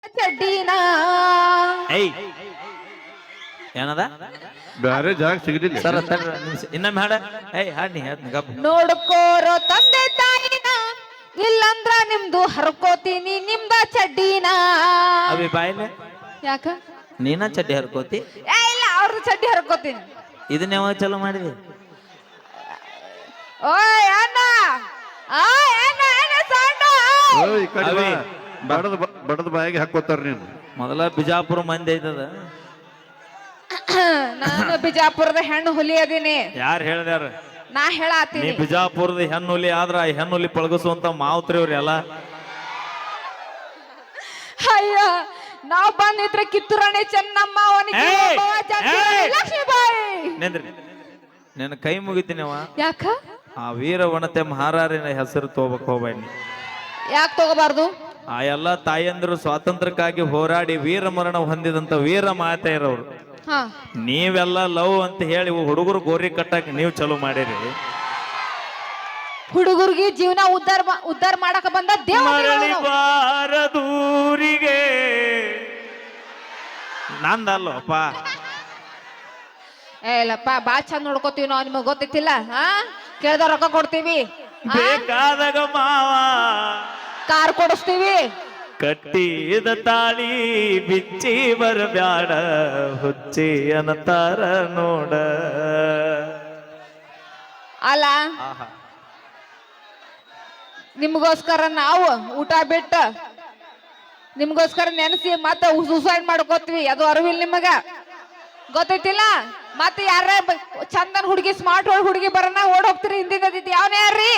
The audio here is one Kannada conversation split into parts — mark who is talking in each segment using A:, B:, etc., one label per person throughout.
A: ಚಡ್ಡಿನ
B: ಏಯ್ ಏನದ
C: ಬ್ಯಾರೆ ಜಾಗ ಸಿಗಲಿಲ್ಲ
B: ಸರ್ ಇನ್ನೊಮ್ಮೆ ಹಾಡ ಏಯ್ ಹಾಡ್ನಿ ಹೇಳ್ತೀನಿ ಗಪ್
A: ನೋಡ್ಕೋರೋ ತಂದೆ ತಾಯಿನ ಇಲ್ಲಂದ್ರ ನಿಮ್ದು ಹರ್ಕೋತೀನಿ ನಿಮ್ದ ಚಡ್ಡಿನ
B: ಅವಿ ಬಾಯಿಲೆ
A: ಯಾಕ
B: ನೀನ ಚಡ್ಡಿ ಹರ್ಕೋತಿ
A: ಇಲ್ಲ ಅವ್ರದ್ದು ಚಡ್ಡಿ ಹರ್ಕೋತೀನಿ
B: ಇದನ್ನ ಯಾವಾಗ ಚಲೋ ಮಾಡಿದಿ
A: ಓ ಅಣ್ಣ ಸಣ್ಣ
C: ಈ ಕಡೆ ಬಾ. ಬಡದ ಬಾಯಿಗೆ ಹಾಕೋತಾರ ನೀನು
B: ಮೊದಲ ಬಿಜಾಪುರ ಮಂದಿ ಐತದ
A: ನಾನು ಬಿಜಾಪುರದ ಹೆಣ್ಣು ಹುಲಿ ಅದೀನಿ
B: ಯಾರು ಹೇಳ್ದಾರ
A: ನಾ
B: ನೀ
A: ಹೇಳತ್ತೀನಿ
B: ಬಿಜಾಪುರದ ಹೆಣ್ಣುಲಿ ಆದ್ರ ಆ ಹೆಣ್ಣುಲಿ ಪಳಗಿಸುವಂತ ಮಾವುತ್ರಿ ಅವ್ರಿ ಎಲ್ಲ
A: ಅಯ್ಯ ನಾವ್ ಬಂದಿದ್ರೆ ಕಿತ್ತೂರಾಣಿ ಚೆನ್ನಮ್ಮ ಅವನಿಗೆ
B: ಏಯ್! ಏಯ್!
A: ಲಕ್ಷ್ಮೀಬಾಯಿ
B: ನಿಂದ್ರಿ ನಿನ್ನ ಕೈ ಮುಗಿತೀನವ
A: ಯಾಕ
B: ಆ ವೀರವನತೆ ಮಹಾರಾರಿನ ಹೆಸರು ತಗೋಬೇಕು ಹೋಗ್ಬೇಡಿ
A: ಯಾಕೆ ತಗೋಬಾರ್ದು
B: ಆ ಎಲ್ಲ ತಾಯಂದಿರು ಸ್ವಾತಂತ್ರ್ಯಕ್ಕಾಗಿ ಹೋರಾಡಿ ವೀರ ಮರಣ ಹೊಂದಿದಂತ ವೀರ ಮಾತೆಯರವರು
A: ಹಾ
B: ನೀವೆಲ್ಲ ಲವ್ ಅಂತ ಹೇಳಿ ಹುಡುಗರು ಗೋರಿ ಕಟ್ಟಾಕ ನೀವು ಚಲೋ ಮಾಡಿರಿ
A: ಹುಡುಗರಿಗೆ ಜೀವನ ಉದ್ಧಾರ ಮಾಡಕ ಬಂದ
B: ಮರಳಿ
A: ದೇವ
B: ಬಾರದೂರಿಗೆ ನಂದಲ್ಲಪ್ಪ
A: ಇಲ್ಲಪ್ಪ ಬಾ ಚಂದ ನೋಡ್ಕೋತೀವಿ ನಾವು ನಿಮಗ್ ಗೊತ್ತಿತ್ತಿಲ್ಲ ಹಾ ಕೇಳ್ದ ರೊಕ್ಕ ಕೊಡ್ತೀವಿ
B: ಬೇಕಾದಾಗ ಮಾವ
A: ಕಾರ್ ಕೊಡಿಸ್ತೀವಿ
B: ಕಟ್ಟಿದ ತಾಳಿ ಬಿಚ್ಚಿ ಬರಬ್ಯಾಡ ಹುಚ್ಚಿ ಅನ್ನತಾರ ನೋಡ
A: ಅಲ್ಲ ನಿಮ್ಗೋಸ್ಕರ ನಾವು ಊಟ ಬಿಟ್ಟ ನಿಮ್ಗೋಸ್ಕರ ನೆನೆಸಿ ಮತ್ತೆ ಸೂಸೈಡ್ ಮಾಡ್ಕೋತೀವಿ ಅದು ಅರಿವಿಲ್ಲ ನಿಮಗ ಗೊತ್ತೈತಿಲ್ಲ ಮತ್ತೆ ಯಾರ ಚಂದನ್ ಹುಡುಗಿ ಸ್ಮಾರ್ಟ್ ಹುಡುಗಿ ಬರೋಣ ಓಡ್ ಹೋಗ್ತೀರಿ ಹಿಂದಿನ ಯಾವನೇ ಯಾರ್ರಿ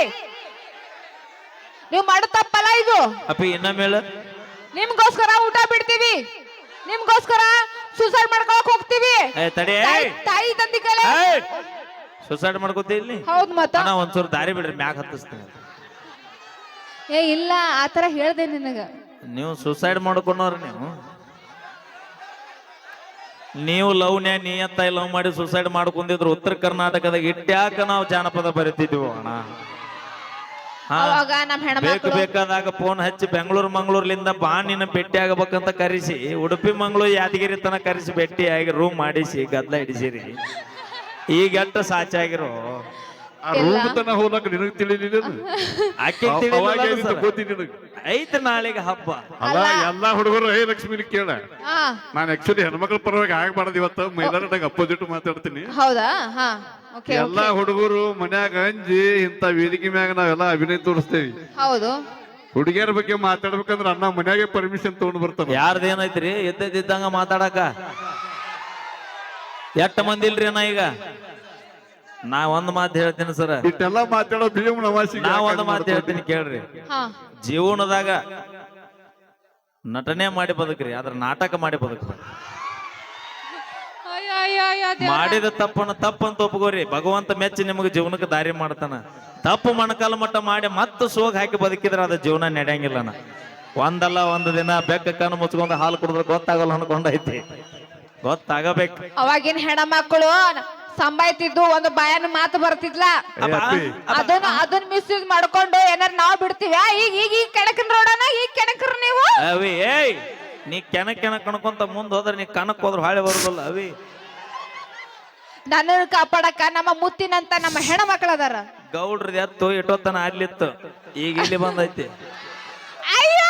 A: ನೀವು ಮಾಡೋ ತಪ್ಪಲ್ಲ ಇದು
B: ಅಪ್ಪಿ ಇನ್ನಮೇಲೆ
A: ನಿಮ್ಗೋಸ್ಕರ ಊಟ ಬಿಡ್ತೀವಿ ನಿಮ್ಗೋಸ್ಕರ ಸೂಸೈಡ್ ಮಾಡ್ಕೊಳಕ್ ಹೋಗ್ತೀವಿ
B: ತಡಿ
A: ತಾಯಿ ತಂದಿ ಕಲೆ
B: ಸುಸೈಡ್ ಮಾಡ್ಕೋತಿ ಇಲ್ಲಿ
A: ಹೌದ್ ಮತ್ತ
B: ಅಣ್ಣ ಒಂದ್ಸೂರು ದಾರಿ ಬಿಡ್ರಿ ಮ್ಯಾಗ ಹತ್ತಿಸ್ತೀನಿ
A: ಏ ಇಲ್ಲ ಆತರ ಹೇಳ್ದೆ ನಿನಗ
B: ನೀವು ಸುಸೈಡ್ ಮಾಡ್ಕೊಂಡವ್ರ ನೀವು ಲವ್ನ್ಯಾ ನಿಯತ್ತ ಲವ್ ಮಾಡಿ ಸುಸೈಡ್ ಮಾಡ್ಕೊಂಡಿದ್ರು ಉತ್ತರ ಕರ್ನಾಟಕದಾಗ ಇಟ್ಟ್ಯಾಕ ನಾವು ಜಾನಪದ ಬರಿತಿದ್ವಿ ಅಣ್ಣ
A: ಅವಾಗ ನಮ್
B: ಬೇಕು
A: ಹೆಣ್ಮಕ್ಳು
B: ಬೇಕಾದಾಗ ಫೋನ್ ಹಚ್ಚಿ ಬೆಂಗಳೂರು ಮಂಗಳೂರ್ಲಿಂದ ಬಾ ನಿನ್ನ ಭೇಟಿ ಆಗಬೇಕಂತ ಕರೆಸಿ ಉಡುಪಿ ಮಂಗಳೂರು ಯಾದಗಿರಿ ತನ ಕರೆಸಿ ಭೇಟಿಯಾಗಿ ರೂಮ್ ಮಾಡಿಸಿ ಗದ್ಲ ಹಿಡಿಸಿರಿ ಈಗ ಎಷ್ಟ ಸಾಚಾಗಿರೋ
C: ಆ ರೂಮ್ ತನ ಹೋಗ್ಲಕ್ಕ ನಿನಗ್ ತಿಳಿಲಿಲ್ಲ
B: ಆಕೆ
C: ಗೊತ್ತಿ ನಿನಗ್
B: ಐತೆ ನಾಳೆಗೆ ಹಬ್ಬ
C: ಅಲ್ಲ ಎಲ್ಲಾ ಹುಡುಗರು ಹೇ ಲಕ್ಷ್ಮಿನ ಕೇಳ
A: ಹಾ
C: ನಾನು ಆಕ್ಚುಲಿ ಹೆಣ್ಮಕ್ಳ ಪರವಾಗಿ ಆಗ್ಬಾರ್ದು ಇವತ್ತು ಮೈದಾನದಾಗ ಅಪೋಸಿಟ್ ಮಾತಾಡ್ತೀನಿ
A: ಹೌದಾ ಹಾ ಓಕೆ
C: ಎಲ್ಲಾ ಹುಡುಗರು ಮನ್ಯಾಗ ಅಂಜಿ ಇಂತ ವೇದಿಕೆ ಮ್ಯಾಗ ನಾವೆಲ್ಲ ಅಭಿನಯ ತೋರಿಸ್ತೇವಿ
A: ಹೌದು
C: ಹುಡುಗಿಯರ ಬಗ್ಗೆ ಮಾತಾಡ್ಬೇಕಂದ್ರ ಅಣ್ಣ ಮನ್ಯಾಗೆ ಪರ್ಮಿಷನ್ ತಗೊಂಡ್ ಬರ್ತಾನ
B: ಯಾರ್ದೇನೈತ್ರಿ ಎದ್ದಂಗ ಮಾತಾಡಕ ಎಷ್ಟ ಮಂದಿ ಇಲ್ರಿ ಅಣ್ಣ ಈಗ ನಾ ಒಂದ್ ಮಾತು ಹೇಳ್ತೀನಿ ಸರ್
C: ಇಟ್ಟೆಲ್ಲ ಮಾತಾಡೋ ಭೀಮ್ ನವಾಸಿ
B: ನಾ ಒಂದ್ ಮಾತು ಹೇಳ್ತೀನಿ ಕೇಳ್ರಿ
A: ಹಾ
B: ಜೀವನದಾಗ ನಟನೆ ಮಾಡಿ ಬದುಕ್ರಿ ಆದ್ರ ನಾಟಕ ಮಾಡಿ ಬದುಕ್ರಿ ಮಾಡಿದ ತಪ್ಪನ್ನ ತಪ್ಪಂತ ಒಪ್ಕೋರಿ ಭಗವಂತ ಮೆಚ್ಚಿ ನಿಮಗೆ ಜೀವನಕ್ಕೆ ದಾರಿ ಮಾಡ್ತಾನ ತಪ್ಪು ಮಣಕಾಲ ಮಟ್ಟ ಮಾಡಿ ಮತ್ತೆ ಸೋಗ್ ಹಾಕಿ ಬದುಕಿದ್ರೆ ಅದ ಜೀವನ ನಡೆಯಂಗಿಲ್ಲನ ಒಂದಲ್ಲ ಒಂದು ದಿನ ಬೆಕ್ಕ ಕಣ್ಣು ಮುಚ್ಕೊಂಡು ಹಾಲು ಕುಡಿದ್ರೆ ಗೊತ್ತಾಗಲ್ಲ ಅನ್ಕೊಂಡೈತಿ ಗೊತ್ತಾಗಬೇಕು
A: ಅವಾಗಿನ ಹೆಣ್ಮಕ್ಳು ಸಂಬಾಯ್ತಿದ್ದು ಒಂದು ಬಾಯನ ಮಾತು ಬರ್ತಿದ್ಲ ಅದನ್ನ ಮಿಸ್ಯೂಸ್ ಮಾಡ್ಕೊಂಡು ಏನಾರ ನಾವ್ ಬಿಡ್ತೀವಿ ಈಗ ಈಗ ಈಗ ಕೆಣಕನ್ ರೋಡನ ಈಗ ಕೆಣಕ್ರ ನೀವು
B: ಅವಿ ಏಯ್ ನೀ ಕೆಣಕ್ ಕಣ್ಕೊಂತ ಮುಂದ್ ಹೋದ್ರೆ ನೀ ಕಣಕ್ ಹೋದ್ರ ಹಾಳೆ ಬರೋದಲ್ಲ ಅವಿ
A: ನನ್ನ ಕಾಪಾಡಕ ನಮ್ಮ ಮುತ್ತಿನಂತ ನಮ್ಮ ಹೆಣ್ಮಕ್ಳು ಅದಾರ
B: ಗೌಡ್ರದ್ ಎತ್ತು ಇಟ್ಟೋತನ ಅಲ್ಲಿತ್ತು ಈಗ ಇಲ್ಲಿ ಬಂದೈತಿ
A: ಅಯ್ಯೋ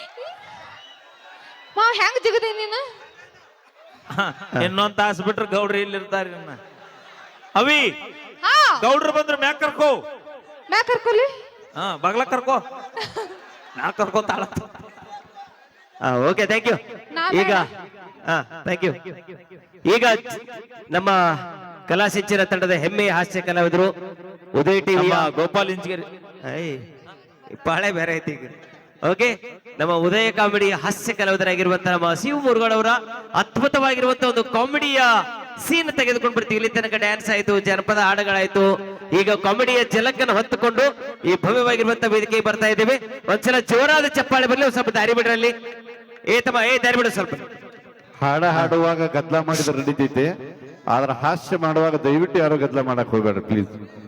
A: ಮಾವ್ ಹೆಂಗ್ ಜಿಗದಿ ನೀನು
B: ಇನ್ನೊಂದ್ ತಾಸು ಬಿಟ್ರೆ ಗೌಡ್ರಿ ಇಲ್ಲಿ ಇರ್ತಾರ ಇನ್ನ ಅವಿ
A: ಹಾ
B: ಗೌಡ್ರು ಬಂದ್ರೆ ಮ್ಯಾಕ್ ಕರ್ಕೋ
A: ಮ್ಯಾ ಕರ್ಕೊಲಿ
B: ಬಗ್ಲ ಕರ್ಕೋ ಮ್ಯಾಕ್ ಕರ್ಕೋತಾಳ
D: ಓಕೆ ಥ್ಯಾಂಕ್ ಯು ಈಗ ಥ್ಯಾಂಕ್ ಯು ಈಗ ನಮ್ಮ ಕಲಾ ಸಿಂಚನ ತಂಡದ ಹೆಮ್ಮೆಯ ಹಾಸ್ಯ ಕಲಾವಿದರು ಉದಯ್ ಟಿವಿಯ
B: ಗೋಪಾಲ್ ಇಂಜಿಗೇರಿ
D: ಪಾಳೆ ಬೇರೆ ಐತಿ ಈಗ ಓಕೆ ನಮ್ಮ ಉದಯ ಕಾಮಿಡಿ ಹಾಸ್ಯ ಕಲಾವಿದರಾಗಿರುವಂತಹ ನಮ್ಮ ಶಿವ ಮುರುಗಳವರ ಅದ್ಭುತವಾಗಿರುವಂತಹ ಒಂದು ಕಾಮಿಡಿಯ ಸೀನ್ ತೆಗೆದುಕೊಂಡು ಬರ್ತೀವಿ ಇಲ್ಲಿ ತನಕ ಡ್ಯಾನ್ಸ್ ಆಯ್ತು ಜನಪದ ಹಾಡುಗಳಾಯ್ತು ಈಗ ಕಾಮಿಡಿಯ ಜಲಕ್ಕನ್ನು ಹೊತ್ತುಕೊಂಡು ಈ ಭವ್ಯವಾಗಿರುವಂತಹ ವೇದಿಕೆಗೆ ಬರ್ತಾ ಇದ್ದೇವೆ ಒಂದ್ಸಲ ಜೋರಾದ ಚಪ್ಪಾಳೆ ಬರಲಿ ಸ್ವಲ್ಪ ದಾರಿ ಬಿಡ್ರಲ್ಲಿ ದಾರಿ ಬಿಡು ಸ್ವಲ್ಪ
C: ಹಾಡ ಹಾಡುವಾಗ ಗದ್ಲ ಮಾಡಿದ್ರೆ ನಡೀತೈತೆ ಆದ್ರೆ ಹಾಸ್ಯ ಮಾಡುವಾಗ ದಯವಿಟ್ಟು ಯಾರು ಗದ್ಲ ಮಾಡಕ್ ಹೋಗ್ಬೇಡ್ರಿ ಪ್ಲೀಸ್